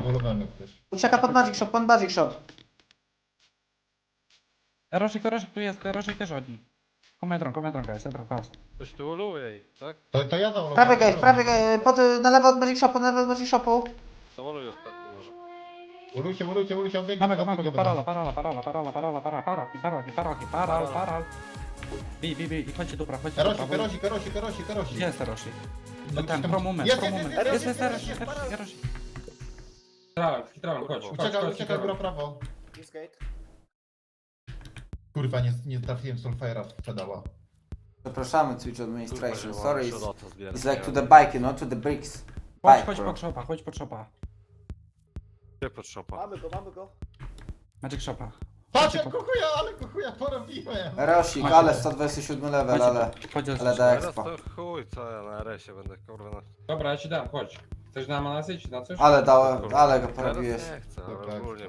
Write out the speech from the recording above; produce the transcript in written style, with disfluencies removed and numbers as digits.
Wolowany też. Ucieka pod Magic Shop. Rożek tu jest, Rożek też od nich. Kometron, guys, pas. Ktoś tu uluje jej, tak? To ja zaulowałem. Prawy gate, na lewo od Magic Shopu, na lewo od Magic Shopu. Zamoluj ostatni może. Ulujcie, on biegnie. Mamy go, parola. Bij, i chodźcie do prawa, chodźcie do prawa. Karosi. Gdzie jest Roshi? No, Ten, tam- pro moment. Jest, Roshi. Filtrałem, chodź. Uciekaj góra prawo. This gate. Kurwa, nie trafiłem Soulfire'a w pedała. Przepraszamy Twitch Administration, sorry. It's It's like to the bike, you know, to the bricks. Chodź pod shopa. Gdzie pod szopa? Mamy go. Magic shopa. Patrz, jak kuchuja porobiłem! Rosik, ale 127 level, ale Chodź da Teraz expo. to chuj, co ja na RS-ie będę kurwa na... Dobra, ja ci dam, chodź. Chcesz na manasy czy na coś? Ale go Teraz porobiłeś. nie chcę, Dobra. ale ogólnie